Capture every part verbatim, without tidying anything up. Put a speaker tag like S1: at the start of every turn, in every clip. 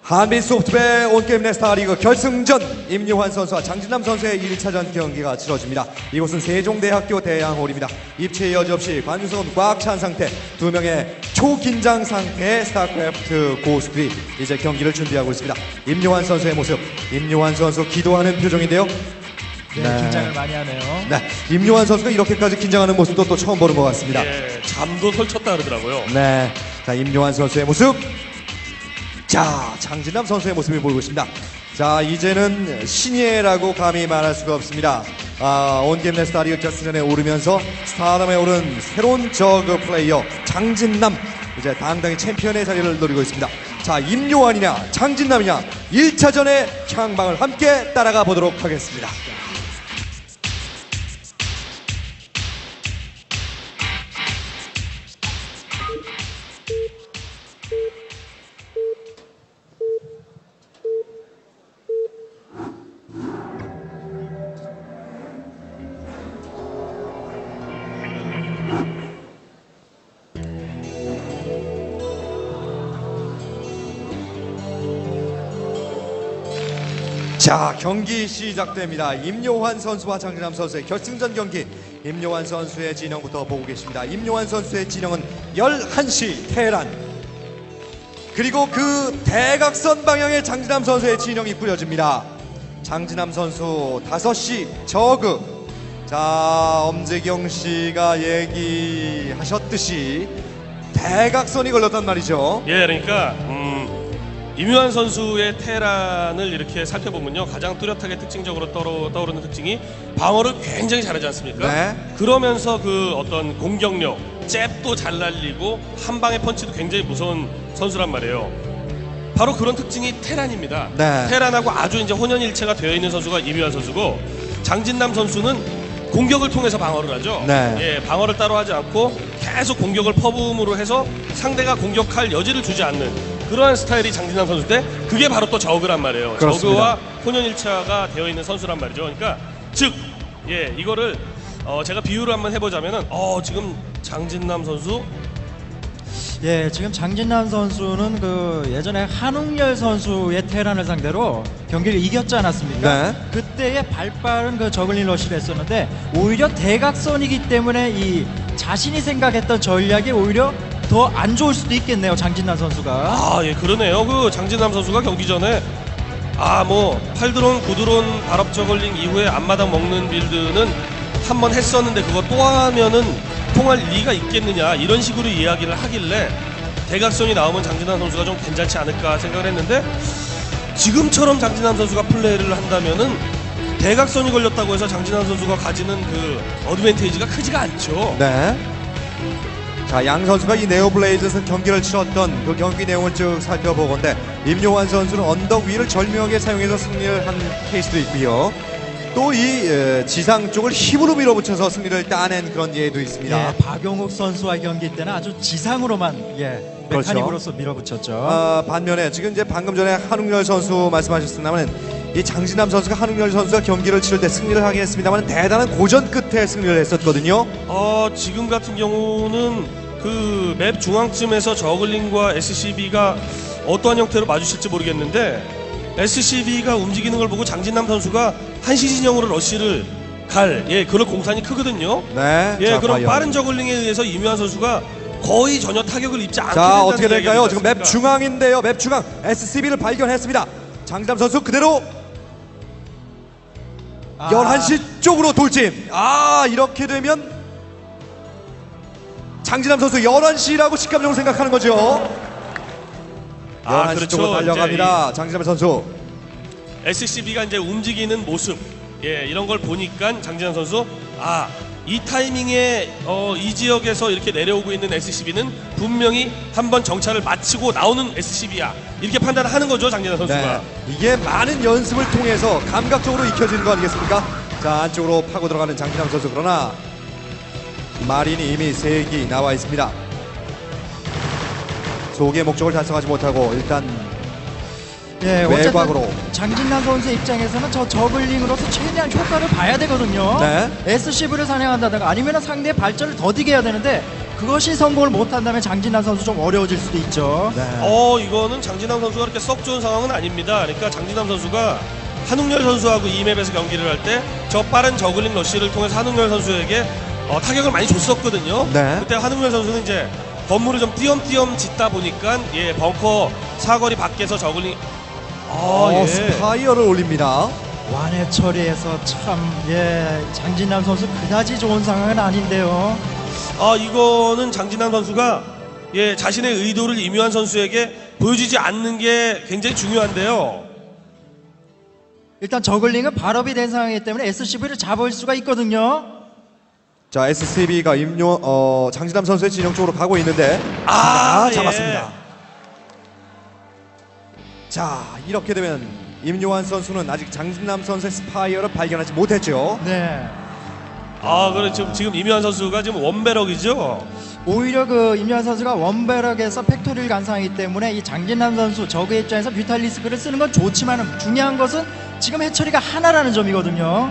S1: 한빛소프트의 온게임 네스타리그 결승전 임요환 선수와 장진남 선수의 일 차전 경기가 치러집니다. 이곳은 세종대학교 대양홀입니다. 입체 여지 없이 관중석은 꽉 찬 상태, 두 명의 초긴장 상태의 스타크래프트 고수들이 이제 경기를 준비하고 있습니다. 임요환 선수의 모습, 임요환 선수 기도하는 표정인데요.
S2: 네,
S1: 네.
S2: 긴장을 많이 하네요.
S1: 네, 임요환 선수가 이렇게까지 긴장하는 모습도 또 처음 보는 것 같습니다.
S3: 예, 잠도 설쳤다 그러더라고요.
S1: 네, 자 임요환 선수의 모습. 자, 장진남 선수의 모습을 보이고 있습니다. 자, 이제는 신예라고 감히 말할 수가 없습니다. 아, 온게임 네스타리그 결승전에 오르면서 스타덤에 오른 새로운 저그 플레이어 장진남, 이제 당당히 챔피언의 자리를 노리고 있습니다. 자, 임요환이냐 장진남이냐 일 차전의 향방을 함께 따라가 보도록 하겠습니다. 자, 경기 시작됩니다. 임요환 선수와 장진남 선수의 결승전 경기. 임요환 선수의 진영부터 보고 계십니다. 임요환 선수의 진영은 열한 시 테란, 그리고 그 대각선 방향의 장진남 선수의 진영이 꾸려집니다. 장진남 선수 다섯 시 저그. 자, 엄재경 씨가 얘기하셨듯이 대각선이 걸렸단 말이죠.
S3: 예, 그러니까 음, 임요환 선수의 테란을 이렇게 살펴보면요, 가장 뚜렷하게 특징적으로 떠오르, 떠오르는 특징이 방어를 굉장히 잘하지 않습니까?
S1: 네.
S3: 그러면서 그 어떤 공격력, 잽도 잘 날리고 한 방의 펀치도 굉장히 무서운 선수란 말이에요. 바로 그런 특징이 테란입니다.
S1: 네.
S3: 테란하고 아주 이제 혼연일체가 되어 있는 선수가 임요환 선수고, 장진남 선수는 공격을 통해서 방어를 하죠.
S1: 네.
S3: 예, 방어를 따로 하지 않고 계속 공격을 퍼부음으로 해서 상대가 공격할 여지를 주지 않는 그러한 스타일이 장진남 선수인데, 그게 바로 또 저그란 말이에요.
S1: 그렇습니다.
S3: 저그와 혼연일체가 되어 있는 선수란 말이죠. 그러니까 즉, 예, 이거를 어, 제가 비유를 한번 해보자면은, 어, 지금 장진남 선수,
S2: 예, 지금 장진남 선수는 그 예전에 한웅열 선수의 테란을 상대로 경기를 이겼지 않았습니까?
S1: 네.
S2: 그때의 발빠른 그 저글링 러시를 했었는데, 오히려 대각선이기 때문에 이 자신이 생각했던 전략이 오히려 더 안 좋을 수도 있겠네요, 장진남 선수가.
S3: 아, 예, 그러네요. 그 장진남 선수가 경기 전에 아, 뭐 팔 드론, 구 드론 발업 저글링 이후에 앞마당 먹는 빌드는 한번 했었는데 그거 또 하면은 통할 리가 있겠느냐, 이런 식으로 이야기를 하길래 대각선이 나오면 장진남 선수가 좀 괜찮지 않을까 생각을 했는데, 지금처럼 장진남 선수가 플레이를 한다면은 대각선이 걸렸다고 해서 장진남 선수가 가지는 그 어드밴테이지가 크지가 않죠.
S1: 네. 자, 양 선수가 이 네오블레이드에서 경기를 치렀던 그 경기 내용을 쭉 살펴보건데, 임요환 선수는 언덕 위를 절묘하게 사용해서 승리를 한 케이스도 있고요. 또 이 지상 쪽을 힘으로 밀어붙여서 승리를 따낸 그런 예도 있습니다.
S2: 예, 박용욱 선수와 경기 때는 아주 지상으로만, 예,
S1: 그렇죠.
S2: 메카닉으로서 밀어붙였죠.
S1: 아, 반면에 지금 이제 방금 전에 한웅열 선수 말씀하셨습니다만, 이 장진남 선수가 한웅열 선수가 경기를 치를 때 승리를 하긴 했습니다만 대단한 고전 끝에 승리를 했었거든요.
S3: 어, 지금 같은 경우는 그 맵 중앙쯤에서 저글링과 에스씨비가 어떠한 형태로 마주칠지 모르겠는데, 에스씨비가 움직이는 걸 보고 장진남 선수가 한시 진영으로 러쉬를 갈, 예, 그런 공산이 크거든요.
S1: 네.
S3: 예,
S1: 자,
S3: 그럼
S1: 과연.
S3: 빠른 저글링에 의해서 임요환 선수가 거의 전혀 타격을 입지 않게
S1: 자,
S3: 된다는
S1: 어떻게 될까요?
S3: 이야기가
S1: 지금 맵
S3: 있지
S1: 중앙인데요. 맵 중앙 에스씨비를 발견했습니다. 장진남 선수 그대로
S2: 아,
S1: 열한 시 쪽으로 돌진. 아, 이렇게 되면 장진남 선수 열한 시라고 직감적으로 생각하는 거죠.
S3: 아,
S1: 열한 시
S3: 그렇죠.
S1: 쪽으로 달려갑니다. 장진남 선수.
S3: 에스씨비가 이제 움직이는 모습, 예, 이런 걸 보니까 장진환 선수, 아, 이 타이밍에 어, 이 지역에서 이렇게 내려오고 있는 에스씨비는 분명히 한번 정찰을 마치고 나오는 에스씨비야, 이렇게 판단을 하는 거죠, 장진환 선수가.
S1: 네. 이게 많은 연습을 통해서 감각적으로 익혀지는 거 아니겠습니까? 자, 안쪽으로 파고 들어가는 장진남 선수. 그러나 마린이 이미 세 기 나와 있습니다. 소기의 목적을 달성하지 못하고 일단
S2: 예,
S1: 외곽으로.
S2: 어쨌든 장진남 선수의 입장에서는 저 저글링으로서 최대한 효과를 봐야 되거든요.
S1: 네.
S2: 에스씨비를 사냥한다든가 아니면 상대의 발전을 더디게 해야 되는데, 그것이 성공을 못한다면 장진남 선수 좀 어려워질 수도 있죠.
S1: 네.
S3: 어 이거는 장진남 선수가 그렇게 썩 좋은 상황은 아닙니다. 그러니까 장진남 선수가 한웅열 선수하고 이 맵에서 경기를 할 때 저 빠른 저글링 러쉬를 통해서 한웅열 선수에게 어, 타격을 많이 줬었거든요.
S1: 네.
S3: 그때 한웅열 선수는 이제 건물을 좀 띄엄띄엄 짓다 보니까 예 벙커 사거리 밖에서 저글링 아
S1: 어,
S3: 예.
S1: 스파이어를 올립니다.
S2: 완해 처리해서 참, 예, 장진남 선수 그다지 좋은 상황은 아닌데요.
S3: 아 이거는 장진남 선수가 예 자신의 의도를 이묘한 선수에게 보여주지 않는 게 굉장히 중요한데요.
S2: 일단 저글링은 발업이 된 상황이기 때문에 에스씨브이를 잡을 수가 있거든요.
S1: 자, 에스씨비가 임요 어, 장진남 선수의 진영 쪽으로 가고 있는데
S3: 아,
S1: 자, 잡았습니다.
S3: 예.
S1: 자, 이렇게 되면 임요환 선수는 아직 장진남 선수의 스파이어를 발견하지 못했죠.
S2: 네.
S3: 아 그래 지금 지금 이묘한 선수가 지금 원배럭이죠.
S2: 오히려 그 임요한 선수가 원베럭에서 팩토리를 간 상황이기 때문에 이 장진남 선수 적의 입장에서 뮤탈리스크를 쓰는 건 좋지만 중요한 것은 지금 해처리가 하나라는 점이거든요.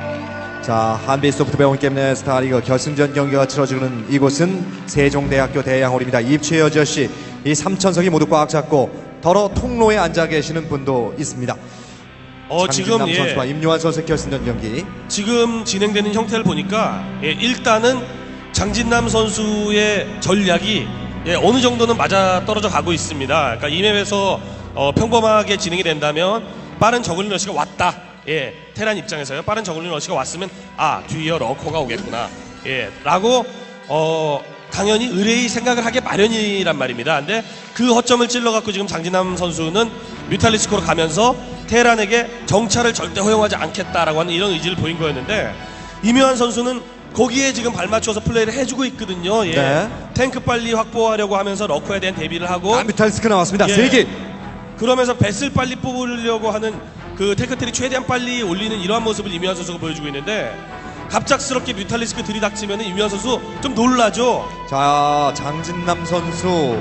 S1: 자, 한빛소프트배운 게임 내 스타리그 결승전 경기가 치러지는 이곳은 세종대학교 대양홀입니다. 입최여 저씨 이 삼천석이 모두 꽉 잡고 더러 통로에 앉아 계시는 분도 있습니다.
S3: 어 지금
S1: 장진남
S3: 예.
S1: 선수와 임요환 선수의 결승전 경기.
S3: 지금 진행되는 형태를 보니까 예, 일단은 장진남 선수의 전략이 예, 어느 정도는 맞아 떨어져 가고 있습니다. 그러니까 이 맵에서 어, 평범하게 진행이 된다면 빠른 저글링 러시가 왔다. 예, 테란 입장에서요. 빠른 저글링 러시가 왔으면 아 뒤에 러커가 오겠구나. 예, 라고 어, 당연히 의뢰의 생각을 하게 마련이란 말입니다. 근데 그 허점을 찔러갖고 지금 장진남 선수는 뮤탈리스크로 가면서 테란에게 정찰을 절대 허용하지 않겠다라고 하는 이런 의지를 보인 거였는데 이묘한 선수는 거기에 지금 발맞춰서 플레이를 해주고 있거든요. 예.
S1: 네.
S3: 탱크 빨리 확보하려고 하면서 러커에 대한 대비를 하고
S1: 아, 뮤탈리스크 나왔습니다.
S3: 예.
S1: 세 개.
S3: 그러면서 뱃을 빨리 뽑으려고 하는 그 테크트리 최대한 빨리 올리는 이러한 모습을 이묘한 선수가 보여주고 있는데 갑작스럽게 뮤탈리스크 들이닥치면 이묘한 선수 좀 놀라죠.
S1: 자, 장진남 선수.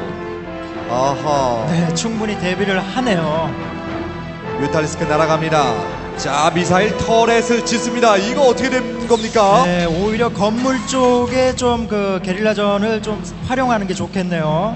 S1: 아하.
S2: 네, 충분히 대비를 하네요.
S1: 뮤탈리스크 날아갑니다. 자, 미사일 터렛을 짓습니다. 이거 어떻게 된 겁니까?
S2: 네, 오히려 건물 쪽에 좀 그 게릴라전을 좀 활용하는 게 좋겠네요.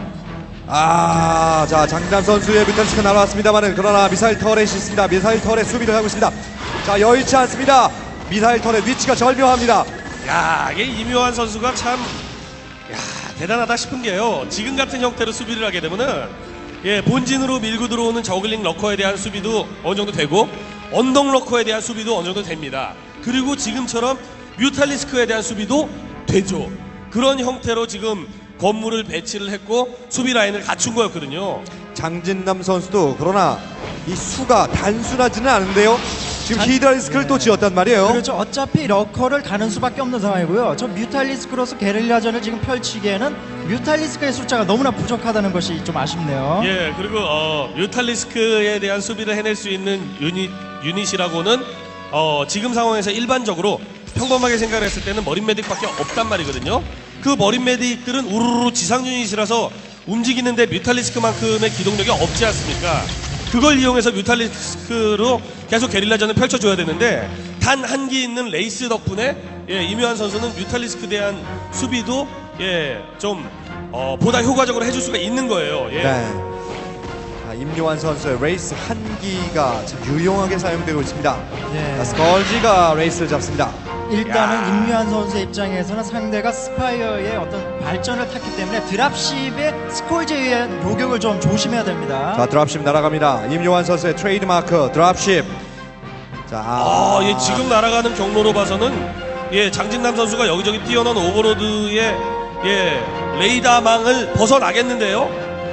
S1: 아, 자, 장진남 선수의 뮤탈리스크 날아왔습니다만은 그러나 미사일 터렛이 있습니다. 미사일 터렛 수비를 하고 있습니다. 자, 여의치 않습니다. 미사일 터렛 위치가 절묘합니다.
S3: 야, 이게 이묘한 선수가 참 야, 대단하다 싶은 게요. 지금 같은 형태로 수비를 하게 되면은 예, 본진으로 밀고 들어오는 저글링 러커에 대한 수비도 어느 정도 되고 언덕 러커에 대한 수비도 어느 정도 됩니다. 그리고 지금처럼 뮤탈리스크에 대한 수비도 되죠. 그런 형태로 지금 건물을 배치를 했고 수비 라인을 갖춘 거였거든요.
S1: 장진남 선수도 그러나 이 수가 단순하지는 않은데요. 지금
S2: 장-
S1: 히드라리스크를 또 지었단 말이에요.
S2: 그렇죠. 어차피 러커를 가는 수밖에 없는 상황이고요. 저 뮤탈리스크로서 게릴라전을 지금 펼치기에는 뮤탈리스크의 숫자가 너무나 부족하다는 것이 좀 아쉽네요.
S3: 예, 그리고 어, 뮤탈리스크에 대한 수비를 해낼 수 있는 유닛, 유닛이라고는 어, 지금 상황에서 일반적으로 평범하게 생각을 했을 때는 머린 메딕밖에 없단 말이거든요. 그 머린 메딕들은 우르르 지상 유닛이라서 움직이는데 뮤탈리스크만큼의 기동력이 없지 않습니까? 그걸 이용해서 뮤탈리스크로 계속 게릴라전을 펼쳐줘야 되는데 단 한 기 있는 레이스 덕분에 예, 이묘한 선수는 뮤탈리스크에 대한 수비도 예, 좀 어, 보다 효과적으로 해줄 수가 있는 거예요. 예.
S1: 네. 자, 임요환 선수의 레이스 한 기가 참 유용하게 사용되고 있습니다.
S2: 네.
S1: 자, 스컬지가 레이스를 잡습니다.
S2: 일단은
S3: 야.
S2: 임유한 선수의 입장에서는 상대가 스파이어의 어떤 발전을 탔기 때문에 드랍십의 스콜지에 의한 요격을 좀 조심해야 됩니다.
S1: 자, 드랍십 날아갑니다. 임요환 선수의 트레이드마크 드랍십. 자,
S3: 아, 예, 지금 날아가는 경로로 봐서는 예, 장진남 선수가 여기저기 뛰어난 오버로드의 예, 레이더망을 벗어나겠는데요.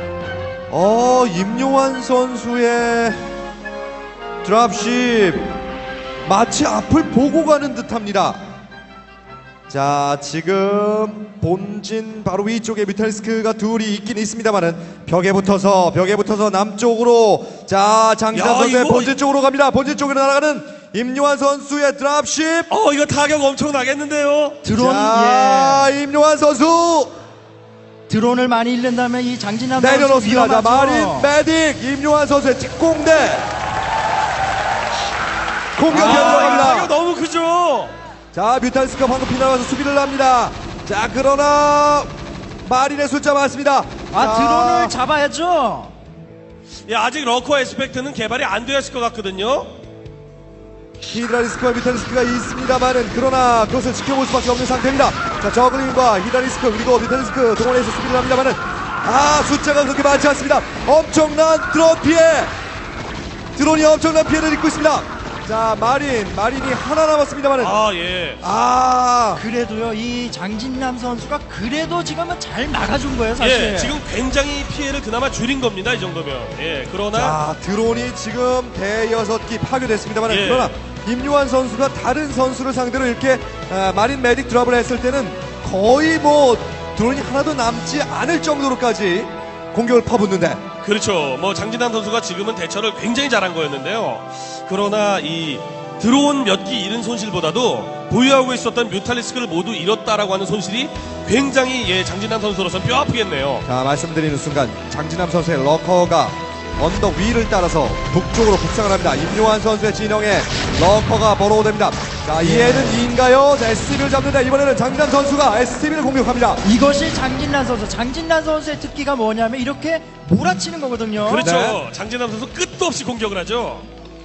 S1: 어, 임요환 선수의 드랍십 마치 앞을 보고 가는 듯합니다. 자, 지금 본진 바로 위쪽에 뮤탈리스크가 둘이 있긴 있습니다만은 벽에 붙어서 벽에 붙어서 남쪽으로 자 장진남
S3: 야,
S1: 선수의
S3: 이거-
S1: 본진 쪽으로 갑니다. 본진 쪽으로 날아가는 임요환 선수의 드랍십.
S3: 어, 이거 타격 엄청 나겠는데요.
S2: 드론,
S1: 자, 임요환 선수
S2: 예, 드론을 많이 잃는다면 이 장진남 선수
S1: 내려놓습니다. 자,
S2: 위험하죠.
S1: 마린 메딕 임요환 선수의 특공대 공격이
S3: 아, 이거 타격
S1: 들어갑니다.
S3: 너무 크죠.
S1: 자, 뮤탈리스크가 방금 피나가서 수비를 합니다. 자, 그러나 마린의 숫자 많습니다.
S2: 아
S1: 자,
S2: 드론을 잡아야죠.
S3: 예, 아직 러커 에스펙트는 개발이 안 되었을 것 같거든요.
S1: 히드라리스크와 뮤탈리스크가 있습니다만은 그러나 그것을 지켜볼 수밖에 없는 상태입니다. 자, 저글링과 히드라리스크 그리고 뮤탈리스크 동원해서 수비를 합니다만은 아, 숫자가 그렇게 많지 않습니다. 엄청난 드론 피해, 드론이 엄청난 피해를 입고 있습니다. 자, 마린 마린이 하나 남았습니다만은
S3: 아, 예.
S1: 아,
S2: 그래도요 이 장진남 선수가 그래도 지금은 잘 막아준 거예요 사실.
S3: 예, 지금 굉장히 피해를 그나마 줄인 겁니다, 이 정도면. 예, 그러나.
S1: 자, 드론이 지금 대여섯 기 파괴됐습니다만
S3: 예.
S1: 그러나 임요환 선수가 다른 선수를 상대로 이렇게 아, 마린 메딕 드랍을 했을 때는 거의 뭐 드론이 하나도 남지 않을 정도로까지 공격을 퍼붓는데
S3: 그렇죠. 뭐 장진남 선수가 지금은 대처를 굉장히 잘한 거였는데요. 그러나 이 드론 몇 기 잃은 손실보다도 보유하고 있었던 뮤탈리스크를 모두 잃었다라고 하는 손실이 굉장히 예, 장진남 선수로서는 뼈 아프겠네요.
S1: 자, 말씀드리는 순간 장진남 선수의 러커가 언덕 위를 따라서 북쪽으로 북상을 합니다. 임요환 선수의 진영에 러커가 번호됩니다. 자, 이에는 이인가요? 자, 에스티비를 잡는데 이번에는 장진남 선수가 에스티비를 공격합니다.
S2: 이것이 장진남 선수. 장진남 선수의 특기가 뭐냐면 이렇게 몰아치는 거거든요.
S3: 그렇죠.
S1: 네.
S3: 장진남 선수 끝도 없이 공격을 하죠.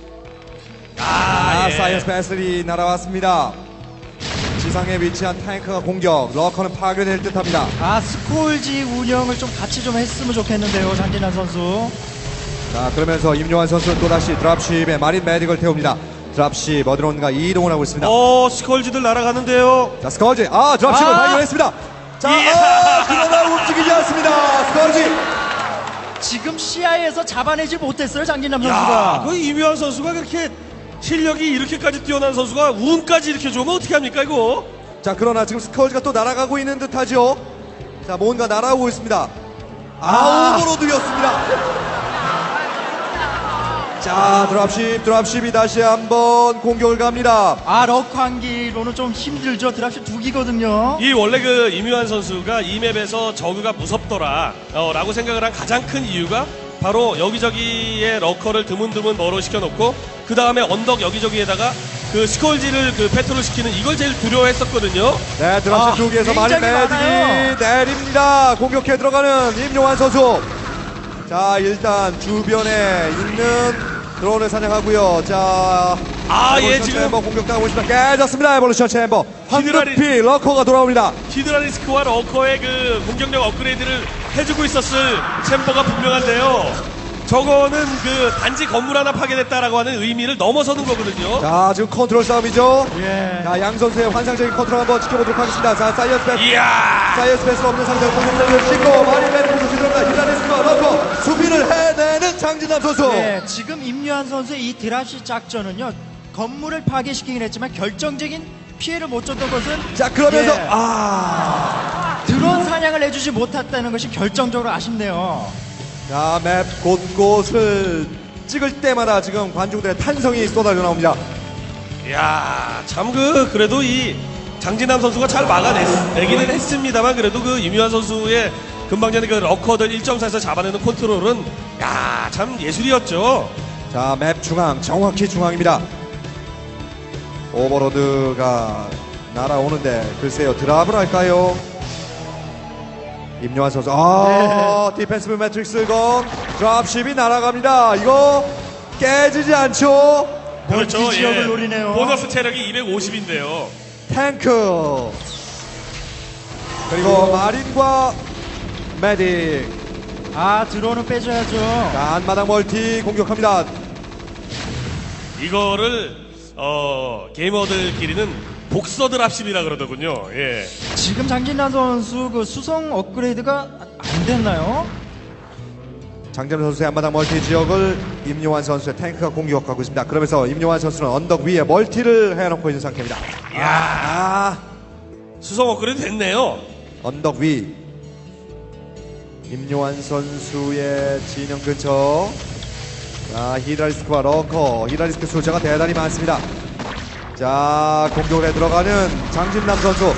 S1: 아,
S3: 아, 예.
S1: 사이언스 배슬이 날아왔습니다. 지상에 위치한 탱크가 공격, 러커는 파괴될 듯합니다.
S2: 아 스콜지 운영을 좀 같이 좀 했으면 좋겠는데요 장진남 선수.
S1: 자, 그러면서 임요환 선수는 또다시 드랍십에 마린 메딕을 태웁니다. 드랍십 어드론과 이동을 하고 있습니다.
S3: 어, 스컬지들 날아가는데요.
S1: 자, 스커지, 아, 드랍십을
S2: 아!
S1: 발견했습니다. 자,
S3: 이야!
S1: 아, 그러나 움직이지 않습니다. 스커지.
S2: 지금 시야에서 잡아내지 못했어요 장진남
S3: 야,
S2: 선수가.
S3: 그 이묘한 선수가 그렇게 실력이 이렇게까지 뛰어난 선수가 운까지 이렇게 좋으면 어떻게 합니까, 이거?
S1: 자, 그러나 지금 스커지가 또 날아가고 있는 듯하죠. 자, 뭔가 날아오고 있습니다. 아, 오버로드였습니다. 자, 드랍십, 드랍십이 다시 한번 공격을 갑니다.
S2: 아 럭 한기로는 좀 힘들죠. 드랍십 두 기거든요.
S3: 이 원래 그 이묘한 선수가 이 맵에서 저그가 무섭더라 어, 라고 생각을 한 가장 큰 이유가 바로 여기저기에 러커를 드문드문 멀어 시켜놓고 그 다음에 언덕 여기저기에다가 그 스콜지를 그 패트롤 시키는 이걸 제일 두려워했었거든요.
S1: 네, 드랍십
S2: 아,
S1: 쪽에서 마린
S2: 굉장히 많아요.
S1: 메딕이 내립니다. 공격해 들어가는 임요환 선수. 자, 일단 주변에 있는 드론을 사냥하고요. 자,
S3: 아, 예,
S1: 에볼루션
S3: 지금
S1: 챔버 공격당하고 있습니다. 깨졌습니다. 에볼루션 챔버.
S3: 히드라리-
S1: 황급히 러커가 돌아옵니다.
S3: 히드라리스크와 러커의 그 공격력 업그레이드를 해주고 있었을 챔버가 분명한데요. 저거는 그 단지 건물 하나 파괴됐다라고 하는 의미를 넘어서는 거거든요.
S1: 자, 지금 컨트롤 싸움이죠.
S2: 예.
S1: 자, 양 선수의 환상적인 컨트롤 한번 지켜보도록 하겠습니다. 자, 사이언스 패스.
S3: 이야!
S1: 사이언스 패스가 없는 상태로 공격력을 싣고 마린 메딕 선수 들어갑니다. 히드라리스크와 러커 수비를 해내는 장진남 선수.
S2: 네, 지금 임유한 선수의 이 드랍시 작전은요 건물을 파괴시키긴 했지만 결정적인 피해를 못 줬던 것은
S1: 자, 그러면서
S2: 예,
S1: 아.
S2: 드론 사냥을 해주지 못했다는 것이 결정적으로 아쉽네요.
S1: 자, 맵 곳곳을 찍을 때마다 지금 관중들의 탄성이 쏟아져 나옵니다.
S3: 이야, 참 그 그래도 이 장진남 선수가 잘 막아내기는 했습니다만 그래도 그 이묘한 선수의 금방 전에 그 러커들 일 점 사에서 잡아내는 컨트롤은 야, 참 예술이었죠.
S1: 자, 맵 중앙, 정확히 중앙입니다. 오버로드가 날아오는데 글쎄요, 드랍을 할까요? 임요환 선수, 아, 디펜시브 매트릭스 건 드랍십이 날아갑니다. 이거 깨지지 않죠?
S3: 그렇죠.
S2: 지역을 노리네요.
S3: 보너스 체력이 이백오십인데요.
S1: 탱크 그리고 마린과 메딕.
S2: 아 드론은 빼줘야죠.
S1: 자, 안마당 멀티 공격합니다.
S3: 이거를 어, 게이머들끼리는 복서들 합심이라 그러더군요. 예.
S2: 지금 장진남 선수 그 수성 업그레이드가 안 됐나요?
S1: 장재현 선수의 안마당 멀티 지역을 임요환 선수의 탱크가 공격하고 있습니다. 그러면서 임요환 선수는 언덕 위에 멀티를 해놓고 있는 상태입니다.
S3: 이야,
S1: 아,
S3: 수성 업그레이드 됐네요.
S1: 언덕 위 임요환 선수의 진영 근처. 자, 히드라리스크와 러커, 히드라리스크 숫자가 대단히 많습니다. 자, 공격에 들어가는 장진남 선수.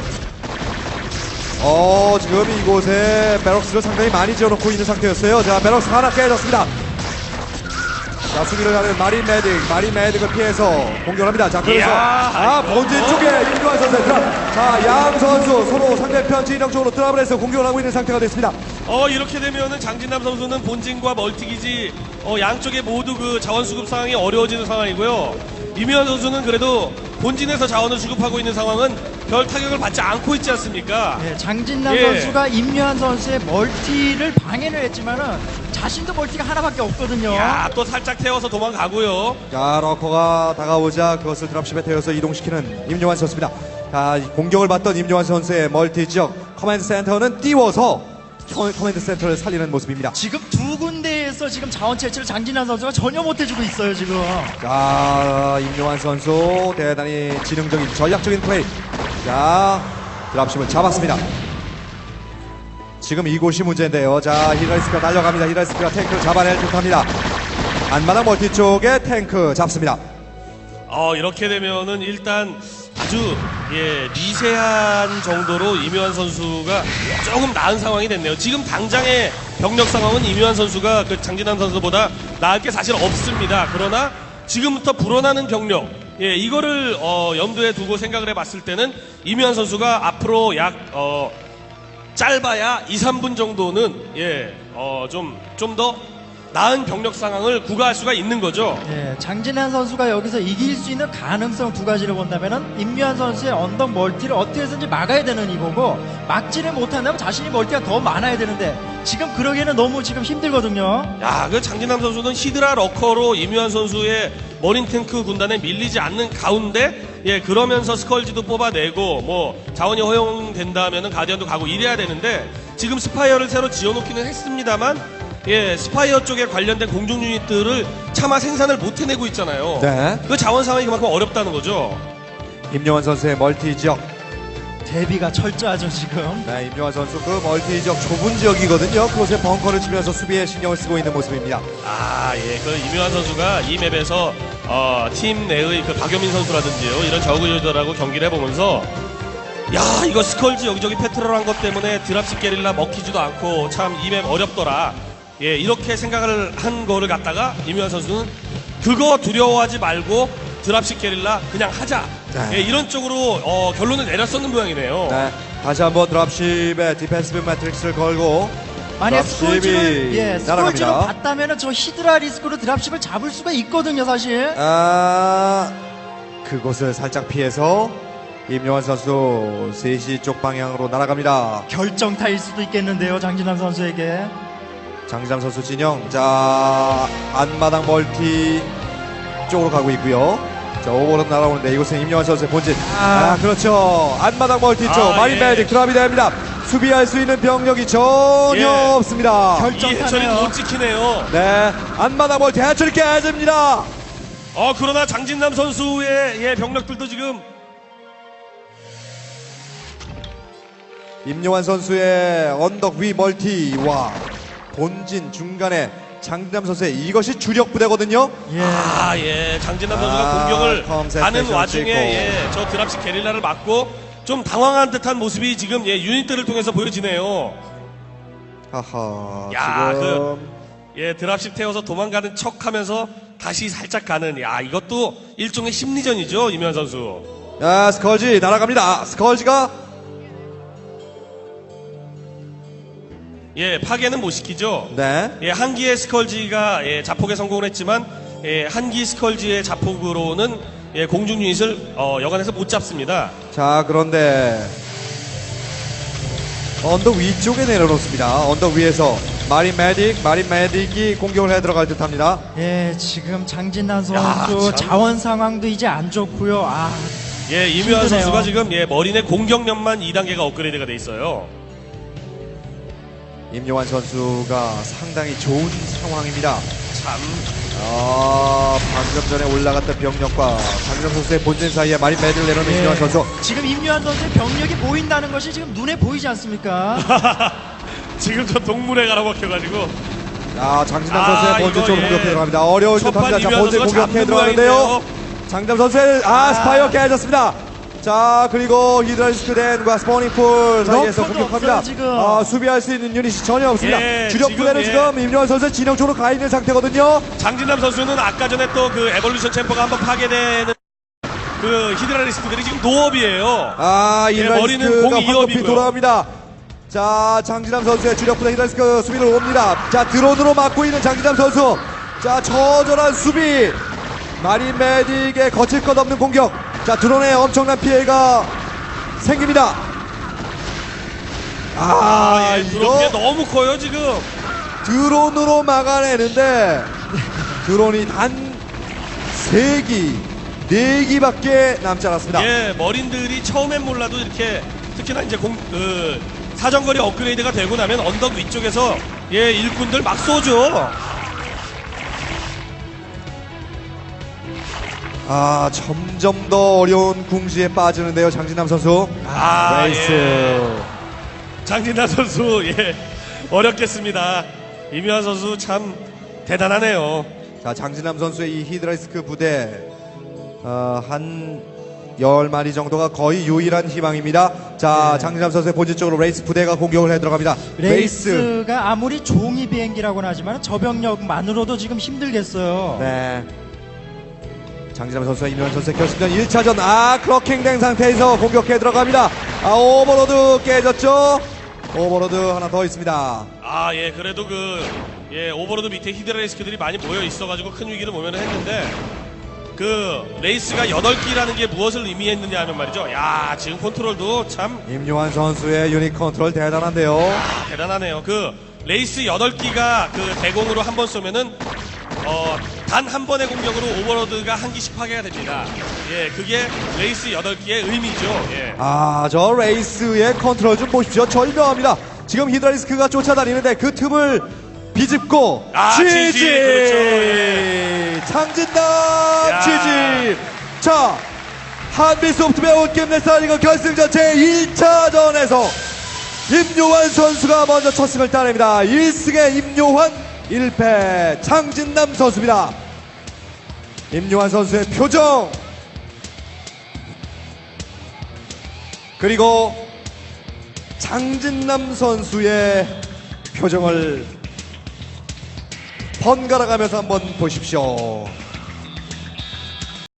S1: 어, 지금 이곳에 베럭스를 상당히 많이 지어놓고 있는 상태였어요. 자, 베럭스 하나 깨졌습니다. 자, 수비를 하는 마린 메딕, 마린 메딕을 피해서 공격합니다. 자, 그래서
S3: 이야,
S1: 아,
S3: 이거.
S1: 본진 쪽에 임요환 선수 드랍. 자, 양 선수 서로 상대편 진영 쪽으로 드랍을 해서 공격을 하고 있는 상태가 됐습니다.
S3: 어 이렇게 되면은 장진남 선수는 본진과 멀티기지 어 양쪽에 모두 그 자원 수급 상황이 어려워지는 상황이고요. 이묘한 선수는 그래도 본진에서 자원을 수급하고 있는 상황은 별 타격을 받지 않고 있지 않습니까?
S2: 예, 장진남
S3: 예.
S2: 선수가 임요한 선수의 멀티를 방해를 했지만은 자신도 멀티가 하나밖에 없거든요.
S3: 야, 또 살짝 태워서 도망가고요.
S1: 자, 러커가 다가오자 그것을 드랍십에 태워서 이동시키는 임요환 선수입니다. 자, 공격을 받던 임요환 선수의 멀티 지역 커맨드 센터는 띄워서 커- 커맨드 센터를 살리는 모습입니다.
S2: 지금 두 군데에서 지금 자원 채취를 장진남 선수가 전혀 못해주고 있어요 지금.
S1: 자, 임요환 선수 대단히 지능적인 전략적인 플레이. 자, 드랍십을 잡았습니다. 지금 이곳이 문제인데요. 자, 히라리스크가 달려갑니다. 히라리스크가 탱크를 잡아낼 듯합니다. 안마당 멀티 쪽에 탱크 잡습니다.
S3: 어 이렇게 되면은 일단 아주 예 미세한 정도로 이묘한 선수가 조금 나은 상황이 됐네요. 지금 당장의 병력 상황은 이묘한 선수가 그 장진남 선수보다 나을 게 사실 없습니다. 그러나 지금부터 불어나는 병력 예 이거를 어, 염두에 두고 생각을 해봤을 때는 이묘한 선수가 앞으로 약 어, 짧아야 이, 삼 분 정도는 예어좀좀 더 나은 병력 상황을 구가할 수가 있는 거죠.
S2: 예, 장진환 선수가 여기서 이길 수 있는 가능성 두 가지를 본다면은 임요한 선수의 언덕 멀티를 어떻게 해서든지 막아야 되는 이거고 막지를 못한다면 자신이 멀티가 더 많아야 되는데 지금 그러기에는 너무 지금 힘들거든요.
S3: 야, 그 장진남 선수는 히드라 러커로 이묘한 선수의 머린 탱크 군단에 밀리지 않는 가운데 예 그러면서 스컬지도 뽑아내고 뭐 자원이 허용된다면은 가디언도 가고 이래야 되는데 지금 스파이어를 새로 지어놓기는 했습니다만 예 스파이어 쪽에 관련된 공중 유닛들을 차마 생산을 못 해내고 있잖아요.
S1: 네.
S3: 그 자원 상황이 그만큼 어렵다는 거죠.
S1: 임요환 선수의 멀티 지역.
S2: 대비가 철저하죠 지금.
S1: 네, 임요환 선수 그 멀티 지역 좁은 지역이거든요. 그곳에 벙커를 치면서 수비에 신경을 쓰고 있는 모습입니다.
S3: 아, 예, 그 이묘한 선수가 이 맵에서 어, 팀 내의 그 박효민 선수라든지요 이런 저그 유저들하고 경기를 해보면서 야 이거 스컬지 여기저기 패트롤한 것 때문에 드랍십 게릴라 먹히지도 않고 참 이 맵 어렵더라. 예, 이렇게 생각을 한 거를 갖다가 이묘한 선수는 그거 두려워하지 말고 드랍십 게릴라 그냥 하자.
S1: 네.
S3: 예, 이런 쪽으로 어, 결론을 내렸었는 모양이네요.
S1: 네, 다시 한번 드랍십에 디펜시브 매트릭스를 걸고
S2: 만약
S1: 드랍십이
S2: 스콜지를 예, 스콜지로
S1: 날아갑니다.
S2: 봤다면은 저 히드라 리스크로 드랍십을 잡을 수가 있거든요 사실.
S1: 아, 그곳을 살짝 피해서 임요환 선수 세 시 쪽 방향으로 날아갑니다.
S2: 결정타일 수도 있겠는데요 장진환 선수에게.
S1: 장진남 선수 진영. 자, 안마당 멀티 쪽으로 가고 있고요. 자, 오버로 날아오는데 이곳은 임요환 선수의 본진. 아, 그렇죠. 안마당 멀티 쪽
S3: 아,
S1: 마린
S3: 예.
S1: 메딕 드랍이 됩니다. 수비할 수 있는 병력이 전혀
S3: 예.
S1: 없습니다.
S2: 결-
S3: 이 해철이 못 지키네요.
S1: 네, 안마당 멀티 해처리 깨집니다.
S3: 어 그러나 장진남 선수의 예, 병력들도 지금
S1: 임요환 선수의 언덕 위 멀티와 본진 중간에 장진남 선수의 이것이 주력 부대거든요.
S2: 예.
S3: 아, 예. 장진남 선수가
S1: 아,
S3: 공격을
S1: 컴셋
S3: 하는
S1: 스테이션
S3: 와중에
S1: 찍고.
S3: 예, 저 드랍식 게릴라를 맞고 좀 당황한 듯한 모습이 지금 예, 유닛들을 통해서 보여지네요.
S1: 하하.
S3: 야,
S1: 지금
S3: 예, 드랍식 태워서 도망가는 척 하면서 다시 살짝 가는 야, 이것도 일종의 심리전이죠, 이면 선수.
S1: 야, 스컬지 날아갑니다. 스컬지가
S3: 예, 파괴는 못 시키죠.
S1: 네.
S3: 예, 한기의 스컬지가 예, 자폭에 성공을 했지만 예, 한기 스컬지의 자폭으로는 예, 공중 유닛을 어, 여간에서 못 잡습니다.
S1: 자, 그런데 언덕 위쪽에 내려놓습니다. 언덕 위에서 마린 메딕, 마린 메딕이 공격을 해 들어갈 듯합니다.
S2: 예, 지금 장진남 선수
S3: 야, 참.
S2: 자원 상황도 이제 안 좋고요. 아,
S3: 예, 이묘한
S2: 힘드네요.
S3: 선수가 지금 예, 머리내 공격력만 이 단계가 업그레이드가 돼 있어요.
S1: 임요환 선수가 상당히 좋은 상황입니다.
S3: 참.
S1: 아, 방금 전에 올라갔던 병력과 장진남 선수의 본진 사이에 마린 메딕을 내려놓은
S2: 예.
S1: 임요환 선수.
S2: 지금 임요한 선수의 병력이 보인다는 것이 지금 눈에 보이지 않습니까?
S3: 지금 저 동물에 갈아먹혀가지고.
S1: 자, 장진남
S3: 아,
S1: 선수의 본진
S3: 이거
S1: 쪽으로
S3: 예.
S1: 공격해 들어갑니다. 어려울
S3: 첫판
S1: 듯합니다. 자,
S3: 이묘한
S1: 본진
S3: 선수가
S1: 공격해
S3: 잡는
S1: 들어가는데요.
S3: 모양이네요.
S1: 장진남 선수의 아, 스파이어 깨졌습니다. 자, 그리고 히드라리스크 덴과 스포닝풀 사이에서
S2: 러커도
S1: 공격합니다.
S2: 없어요, 지금.
S1: 아, 수비할 수 있는 유닛이 전혀 없습니다.
S3: 예,
S1: 주력
S3: 지금,
S1: 부대는
S3: 예.
S1: 지금 임요환 선수 진영 쪽으로 가 있는 상태거든요.
S3: 장진남 선수는 아까 전에 또 그 에볼루션 챔퍼가 한번 파괴되는 그 히드라리스크들이 지금 노업이에요.
S1: 아,
S3: 예, 머리는
S1: 히드라리스크가
S3: 공이
S1: 황급히
S3: 이업이고요.
S1: 돌아옵니다. 자, 장진남 선수의 주력 부대 히드라리스크 수비를 옵니다. 자, 드론으로 막고 있는 장진남 선수. 자, 처절한 수비. 마린 메딕의 거칠 것 없는 공격. 자, 드론에 엄청난 피해가 생깁니다. 아,
S3: 아, 예, 그런 게
S1: 이거
S3: 너무 커요 지금.
S1: 드론으로 막아내는데 드론이 단 세 기, 네 기밖에 남지 않았습니다.
S3: 예, 머린들이 처음엔 몰라도 이렇게 특히나 이제 공, 그 사정거리 업그레이드가 되고 나면 언덕 위쪽에서 예 일꾼들 막 쏘죠.
S1: 아, 점점 더 어려운 궁지에 빠지는데요, 장진남 선수.
S3: 아,
S1: 레이스.
S3: 예. 장진남 선수 예 어렵겠습니다. 임요환 선수 참 대단하네요.
S1: 자, 장진남 선수의 이 히드라이스크 부대 어, 한 열 마리 정도가 거의 유일한 희망입니다. 자,
S2: 네.
S1: 장진남 선수의 본진 쪽으로 레이스 부대가 공격을 해 들어갑니다. 레이스.
S2: 레이스가 아무리 종이 비행기라고는 하지만 저병력만으로도 지금 힘들겠어요.
S1: 네. 장진남 선수와 임요환 선수의 결승전 일 차전. 아, 크로킹된 상태에서 공격해 들어갑니다. 아, 오버로드 깨졌죠? 오버로드 하나 더 있습니다.
S3: 아, 예, 그래도 그, 예, 오버로드 밑에 히드라리스크들이 많이 모여 있어가지고 큰 위기를 모면을 했는데, 그, 레이스가 여덟 기라는 게 무엇을 의미했느냐 하면 말이죠. 야, 지금 컨트롤도 참
S1: 임요환 선수의 유닛 컨트롤 대단한데요.
S3: 대단하네요. 그, 레이스 여덟 기가 그 대공으로 한 번 쏘면은, 어, 단 한 번의 공격으로 오버로드가 한 기씩 파괴가 됩니다. 예, 그게 레이스 여덟 기의 의미죠. 예.
S1: 아, 저 레이스의 컨트롤 좀 보십시오. 절묘합니다. 지금 히드라리스크가 쫓아다니는데 그 틈을 비집고
S3: 아,
S1: 취지.
S3: 지지, 그렇죠. 예.
S1: 장진남
S3: 야.
S1: 취지. 자, 한빛소프트웨어 온게임넷 스타리그 결승전 제일 차전에서 임요환 선수가 먼저 첫 승을 따냅니다. 일 승에 임요환, 일 패 장진남 선수입니다. 임요환 선수의 표정, 그리고 장진남 선수의 표정을 번갈아 가면서 한번 보십시오.